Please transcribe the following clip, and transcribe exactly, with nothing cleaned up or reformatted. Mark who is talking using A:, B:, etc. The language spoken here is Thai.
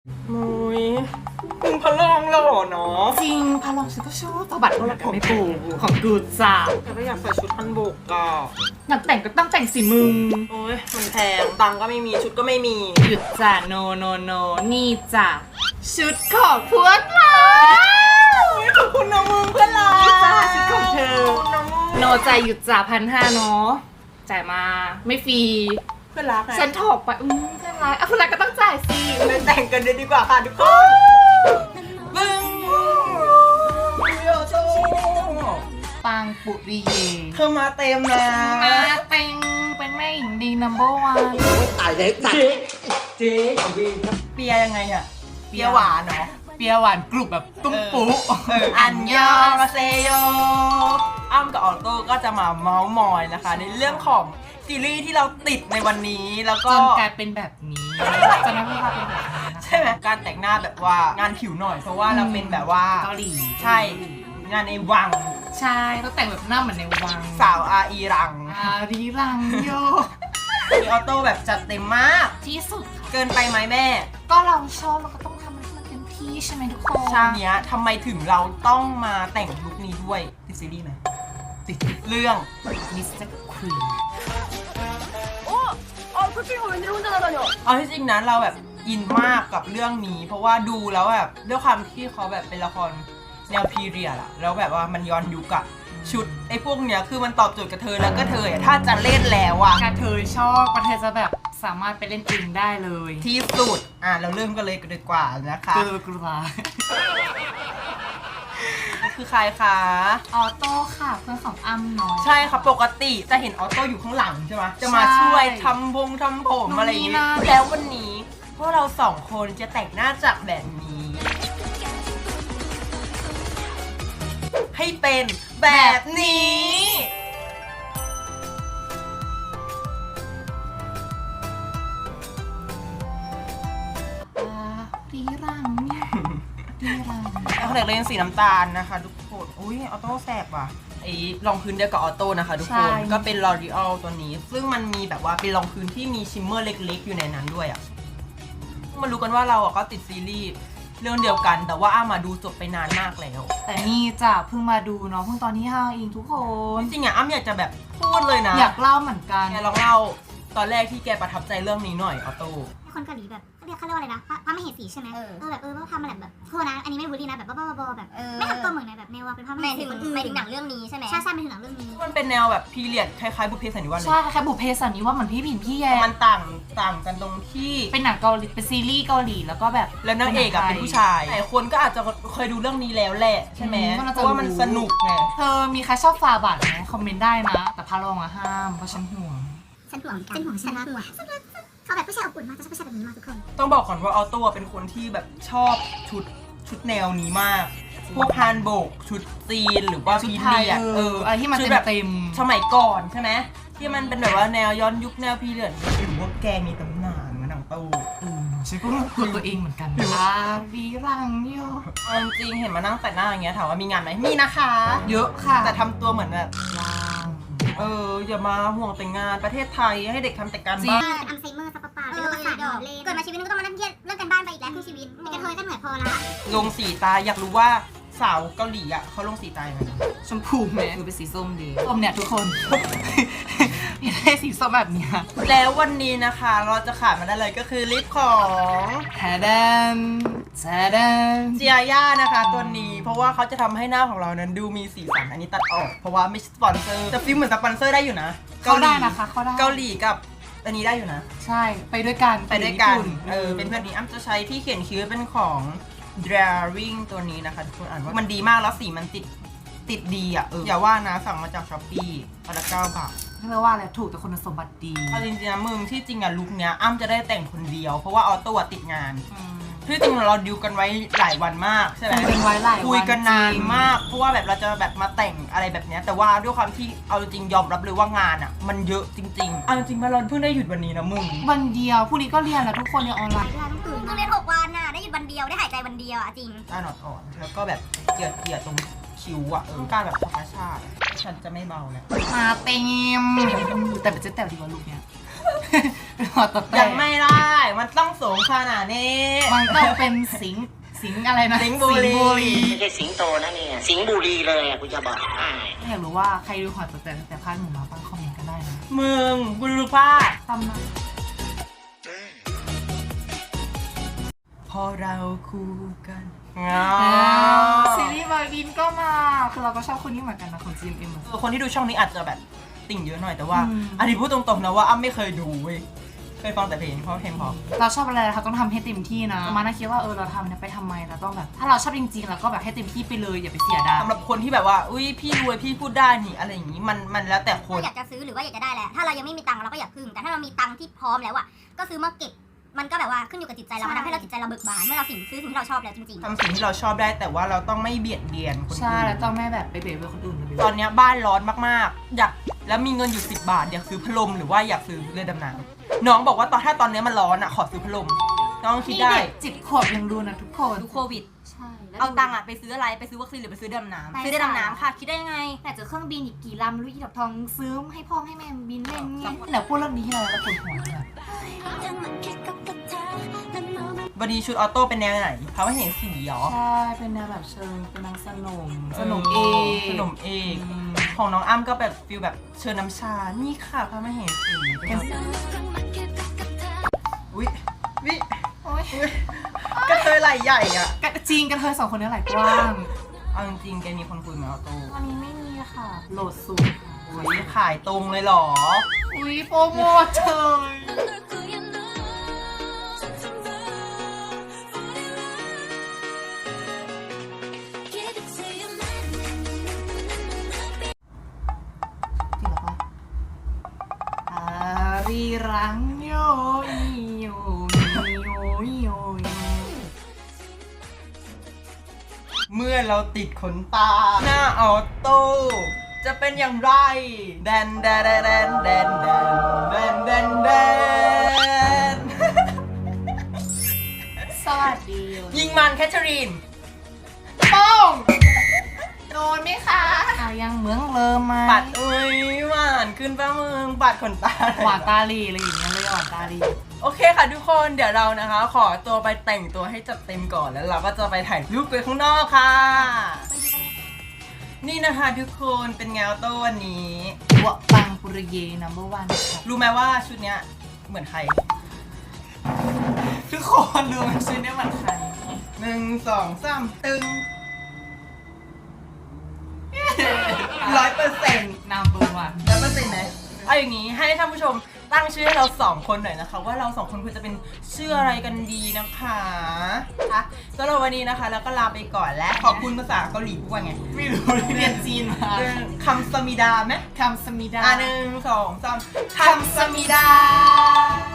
A: มุ้ยมึงพะลองหล่อเนาะ
B: จริงพาลองฉันก็ชอบตัวบัตรก็แล้วกันไม่ปูของกูจ้า
A: แต่ก็อยากใส่ชุดฮันบกก็
B: อยากแต่งก็ต้องแต่งสิมึง
A: โอ้ยมันแพงตังค์ก็ไม่มีชุดก็ไม่มี
B: หยุดจ้ะโนโนโนนี่จ้ะชุดของพวกเรา
A: ขอบคุณนะมึงเพื่อนรัก
B: นี่จ้ะชุดของเธอ
A: ขอบคุณนะมึง
B: โนจ่ายหยุดจ้ะพันห้าเนาะจ่ายมาไม่ฟรี
A: เพื่อนรักไง
B: ฉันถอกไปอืมเพื่อนรักอ่ะเพื่อนรักก็ต้องจ่ายสิ
A: ไปแต่งกันเลยดีกว่าค่ะทุกคนบึ้งโยโซ
B: ปังปุริเย
A: เธอมาเต็มนะ
B: มาเป็นเป็นแม่หญิงดีนัมเบอร์วัน
C: ตายเลยตัดเจ๊ของพี่ครับ
A: เปียยังไงอะเปียหวานเนาะ
B: เปียหวานกรุบแบบตุ้มปุ๊
A: เอออันยองอาเซโยอ้ำกับออโต้ก็จะมาเมาส์มอยนะคะ ในเรื่องของซีรีส์ที่เราติดในวันนี้แล้ว
B: จ
A: ก็
B: นกลายเป็นแบบนี้จะไม่ว่าเป็นแบบนี้นะคะ
A: ใช่ไหมการแต่งหน้าแบบว่างานผิวหน่อยเพราะว่าเราเป็นแบบว่า
B: เกาหลี
A: ใช่งานในวัง
B: ใช่ต้องแต่งแบบหน้าเหมือนในวัง
A: สาวอาอีรัง
B: อารีรังโย
A: มีออโต้แบบจัดเต็มมาก
B: ที่สุดค่ะ
A: เกินไปไหมแม่
B: ก็เราชอบเราก็ต้องทำให้มันเต็มที่ใช่ไหมทุกคน
A: ชาเนี้ยทำไมถึงเราต้องมาแต่งลุคนี้ด้วยติดซีรีส์ไหมติดเรื่อง
B: มิสเตอร์ควีน
A: เอาที่จริงนะเราแบบอินมากกับเรื่องนี้ เพราะว่าดูแล้วแบบด้วยความที่เขาแบบเป็นละครแนวพีเรียดอะแล้วแบบว่ามันย้อนยุคอะชุดไอ้พวกเนี้ยคือมันตอบโจทย์กับเธอแล้วก็เธออะถ้าจะเล่นแล้วอะ
B: กระเทยชอบกระเทยจะแบบสามารถไปเล่นเองได้เลย
A: ที่สุดอ่ะเราเริ่มกันเลยดีกว่านะคะ
B: เกลือกลัว
A: คือใครคะ
B: ออโต้ค่ะเพื่อนของอ้ำเนาะ
A: ใช่ค่ะปกติจะเห็นออโต้อยู่ข้างหลังใช่ไหมจะมา
B: ใช่
A: ช่วยทำพงทำผมอะไรอย่าง
B: นู่นนี่
A: งี้
B: นั่น
A: แล้ววันนี้พวกเราสองคนจะแต่งหน้าจากแบบนี้ ให้เป็นแบบนี้
B: อารีรังเนี่ยรีรัง
A: แล้วเด็กเล่นสีน้ำตาลนะคะทุกคนอุ้ยออโต้แสบว่ะไอ้รองพื้นเดียวกับออโต้นะคะทุกคนก็เป็น L'Oreal ตัวนี้ ซึ่งมันมีแบบว่าเป็นรองพื้นที่มีชิมเมอร์เล็กๆอยู่ในนั้นด้วยอ่ะมารู้กันว่าเราอ่ะก็ติดซีรีส์เรื่องเดียวกัน แต่ว่าอ้ามาดูจบไปนานมากแล้ว
B: แต่นี่จ้ะเพิ่งมาดูเนาะเพิ่งตอนที่ห้าเองทุกคน
A: จริงๆอ่ะอ้ำอยากจะแบบพูดเลยนะ
B: อยากเล่าเหมือนกัน
A: แกลองเล่าตอนแรกที่แกประทับใจเรื่องนี้หน่อยออโต้
D: คนเกาหลีแบบเขาเรียกเขาเรียกว่าอะไรนะพระพระมเหสีใช่ไหม
E: เออ
D: เออแบบเออว่าทำอะไรแบบโทษนะอันนี้ไม่ได้บูลลี่นะแบบบ้าๆบอๆแบบ
E: เออ
D: ไม่ทำตัวเหมือนในแบบแนวว่าเป็นพระม
E: ห
D: เห
E: มาย
D: สี
E: ถึง
D: คนอื่น
E: หมายถึงหนังเรื่องนี้ใช่ไหม
D: ใช่ใช่เป็นถึงหนังเรื่องนี้
A: มันเป็นแนวแบบพีเรียดคล้ายๆบุพเพสันนิวาสเลย
B: ใช่แค่บุพเพสันนิวาสเหมือนพี่ผินพี่แย
A: แต่มันต่างต่างกันตรงที่
B: เป็นหนังเกาหลีเป็นซีรีส์เกาหลีแล้วก็แบบ
A: แล้วนางเอกอะเป็นผู้ชายหลายคนก็อาจจะเคยดูเรื่องนี้แล้วแหละใช่ไหม
B: อืมก็น่า
A: เพ
B: จะ
A: ราะว่ามัน
B: รู้
A: สนุกไง
B: เธอมีใครชอบฟาบัตไหมคอมเมนต์ได้นะ แต่พาลองอะห้ามเพราะฉันห่วง
D: ฉันห่วงฉันห่วงฉันห่วงเขาแบบผู้ชายอบอุ่นมากจะชอบผู้ชายแบบนี้มากทุกคน
A: ต้องบอกก่อนว่าออโต้เป็นคนที่แบบชอบชุดชุดแนวนี้มาก พวกฮานโบกชุดจีนหรือว่า
B: ชุด
A: พี
B: ไทย
A: เรียด
B: เอออะไรที่มัน
A: ชุด
B: เต็ม
A: แบบ
B: เต็ม
A: สมัยก่อนใช่ไหมที่มันเป็นแบบว่าแนวย้อนยุคแนวพีเรียดหรือว่าแกมีตำนานเหมือนหนังตู้
B: ฉันก็รู้ตัวตัวเองเหมือนกันอารีรังโย
A: เอาจริงๆเห็นมานั่งแต่งหน้าอย่างเงี้ยถามว่ามีงานไหมมีนะคะ
B: เยอะค่ะ
A: แต่ทำตัวเหมือนแบบ
B: รัง
A: เอออย่ามาห่วงแต่งงานประเทศไทยให้เด็กทำแต่การ
B: จริง
A: บ้าน
D: เป็นอัลไซเมอร์ซับปะปา
E: เอ
D: เป็นโรค
E: อ
D: ประสาทห
E: ด
D: ล
E: อ
D: อก นเล่น
E: เกิดมาชีวิตนึงก็ต้องมานั่งเครียดเรื่องกันบ้านไปอีกแล้วครึ่งชีวิต
D: เป็นกระเทยก็เหนื่อยพอละ
A: ลงสีตาอยากรู้ว่าสาวเกาหลีอ่ะเขาลงสีตายังไง
B: ชมพูไหมคือเป็นสีส้มดีส้มเนี่ยทุกคน อยากได้สีส้มแบบเนี้ย
A: แล้ววันนี้นะคะเราจะขาดมาได้เลยก็คือลิปของ
B: แทเดนแทเดน
A: เจียย่านะคะตัวนี้เพราะว่าเขาจะทำให้หน้าของเรานั้นดูมีสีสันอันนี้ตัดออก เพราะว่าไม่ใช่สปอนเซอร์แต่ฟิลเหมือนสปอนเซอร์ได้อยู่นะ
B: เขาได้นะคะเขาได้
A: เกาหลีกับอันนี้ได้อยู่นะ
B: ใช่ไปด้วยกัน
A: ไปด้วยกัน
B: ญี่ปุ่
A: เออเป็นแบบนี้อ้ำจะใช้ที่เขียนคิ้วเป็นของ Drawing ตัวนี้นะคะทุกคนอ่านว่ามันดีมากแล้วสีมันติดติดดีอ่ะเอออย่าว่านะสั่งมาจากช้อปปี้อันละเก้าบาท
B: เรียกว่าอะไรถูกแต่คุณสมบัติดี
A: เอาจริงๆนะมึงที่จริงอะลุคเนี้ยอ้ำจะได้แต่งคนเดียวเพราะว่าออโต้อะติดงานที่จริงเราดิวกันไว้หลายวันมากใช่ไหม
B: คุยกันไว้หลายวัน
A: คุยกันนาน
B: จริง
A: มากเพราะว่าแบบเราจะแบบมาแต่งอะไรแบบเนี้ยแต่ว่าด้วยความที่เอาจริงยอมรับเลยว่างานอะมันเยอะจริงๆเอาจริงมาเราเพิ่งได้หยุดวันนี้นะมึง
B: วันเดียวพรุ่งนี้ก็เรียนแล้วทุกคนเรียนออนไลน์
D: เวลาต้องตื่น
E: ต้องเรียนหกวันน่ะ ได้หยุดวันเดียว ได้หายใจวันเดียวอ่ะจริง
A: หน้าหนอดอ่อนแล้วก็แบบเกลียดเกลียดตรงคิ้วอะเออการแบบธรรมชาติอะฉันจะไม่เบาแล้ว
B: มาเต็มแต่เป็นเจ๊แต๋วดีกว่าลูกเนี้ยเป็นหัวตะแต
A: ยังไม่ได้ มันต้องสูงขนาดนี้
B: มันต้องเป็นสิงสิงอะไรนะ
A: สิงห์บุรี
C: ไม่ใช่สิงโตนะเนี่ย สิงห์บุรีเลยอ่ะกูจะบอกให้
B: อยากรู้ว่าใครดูหัวตะแตแต่พาดหมูมาบ้างคอมเมนต์กันได้นะ
A: มึงกูรู้ป่ะ
B: ตำนาน
A: พอเราคู่กัน
B: ซีรีส์บอยบินก็มาคือเราก็ชอบคนนี้เหมือนกันนะของ จี เอ็ม เอ็ม
A: คนที่ดูช่องนี้อาจจะแบบติ่งเยอะหน่อยแต่ว่า
B: อืม
A: อันนี้พูดตรงๆนะว่าอ้ำไม่เคยดูเว้ยเคยฟังแต่เพลงเพราะเพลงเพราะ
B: เราชอบอะไรเราต้องทำให้เต็มที่นะมาน่าคิดว่าเออเราทำเนี่ยไปทำไมเราต้องแบบถ้าเราชอบจริงๆเราก็แบบให้เต็มที่ไปเลยอย่าไปเสียดาย
A: สำหรับคนที่แบบว่าอุ้ยพี่รวยพี่พูดได้นี่อะไรอย่างนี้มันมันแล้วแต่คน
E: เราอยากจะซื้อหรือว่าอยากจะได้แหละถ้าเรายังไม่มีตังค์เราก็อยากพึ่งแต่ถ้าเรามีตังค์ที่พร้อมแล้วอ่ะก็ซื้อมาเก็บมันก็แบบว่าขึ้นอยู่กับจิตใจเรามันทำให้เราจิตใจเราเบิกบานเมื่อเราสิ่งซื้อสิ่งที่เราชอบแล้วจริงๆ
A: ทำสิ่งที่เราชอบได้แต่ว่าเราต้องไม่เบียดเบียนคน
B: ใช่
A: อื่
B: แล้ว
A: น
B: ต้องไม่แบบไปเบียดเบียนคนอื่นเลย
A: ตอนเนี้ยบ้านร้อนมากๆ อยากแล้วมีเงินอยู่สิบบาทอยากซื้อพัดลมหรือว่าอยากซื้อเรือดำน้ำน้องบอกว่าตอนถ้าตอนเนี้ยมันร้อนอ่ะขอซื้อพัดลมน้องคิด
B: นี่
A: ได้
B: เด็กจิตขวบยังดูนะทุกคน
A: ดูโควิด
B: ใช่แล้ว
A: เอาตังค์อ่ะไปซื้ออะไรไปซื้อวัคซีนหรือไปซื้อดำน้ำซื้อได้ดำน้ำค่ะคิดได้ยังไง
B: แต่เจอเครื่องบินอีกกี่ลำรู้อีดอกทองซื้อให้พ่อให้แม่บินเล่นไงเดี๋ยวพูดเรื่องนี้ที่ไรแล้วปวดหัวเลย
A: วันนี้ชุดออโต้เป็นแนวไหนเขาไม่เห็นสีหรอ
B: ใช่เป็นแนวแบบเชิงเป็นนางสนมสนมเอ
A: ขนมเอก
B: อืม
A: ของน้องอ้ำก็แบบฟิลแบบเชิญน้ำชา นี่ค่ะพระมเหสีเป็นอุ้ยวิ
B: โอ๊ย
A: กระเทยไหล่ใหญ่อ่ะ
B: กระจริงกันเธอสองคนนี้ไหลกว้าง
A: เอาจริงๆแกมีคนคุยไหมออโต้
B: ตอนนี้ไม่มีค่ะ โหลดสูตรค่ะ
A: อุ้ยขายตรงเลยเหรอ
B: อุ้ยโปรโมทเธอจริงเหรอปะอารีรังโยอีโยมีโยอีโยอี
A: เมื่อเราติดขนตา หน้าออโต้จะเป็นอย่างไรแดนแดนแดนแดนแดนแดนแดนแดน
B: สวัสดี
A: ยิงมันแคทเธอรีน
B: ป้องโดนไหมคะเอายังเหมืองเริ่มไหม
A: ปัดอุ้ยหวานขึ้นป้ามึงปัดขนตาเลย
B: หวานตาลีอะไรอย่างเงี้ยเลยหวานตาลี
A: โอเคค่ะทุกคนเดี๋ยวเรานะคะ ขอตัวไปแต่งตัวให้จัดเต็มก่อนแล้วเราก็จะไปถ่ายรูปไปข้างนอกค่ะ นี่นะคะทุกคนเป็นไงออโต้วันนี้
B: วะปังปุริเย นัมเบอร์วันค่ะ
A: รู้ไหมว่าชุดเนี้ยเหมือนใคร
B: ทุกคนดูมันชื่อได้เหมือนใคร
A: หนึ่งสองสามตึงร้อยเปอร์เซ็นต์
B: นัมเบอร์วัน
A: ร้อยเปอร์เซ็นต์ไหมเอาอย่างนี้ให้ท่านผู้ชมตั้งชื่อให้เราสองคนหน่อยนะคะ ว่าเราสองคนควรจะเป็นชื่ออะไรกันดีนะคะอ่ะสำหรับวันนี้นะคะ แล้วก็ลาไปก่อนและขอบคุณภาษาเกาหลีพูดว่าไง
B: ไม่รู้เรียนจีนมา
A: เรื่องคำสมิดาไหม
B: คำสมิดา
A: อ่ะหนึ่งสองสามคำสมิดา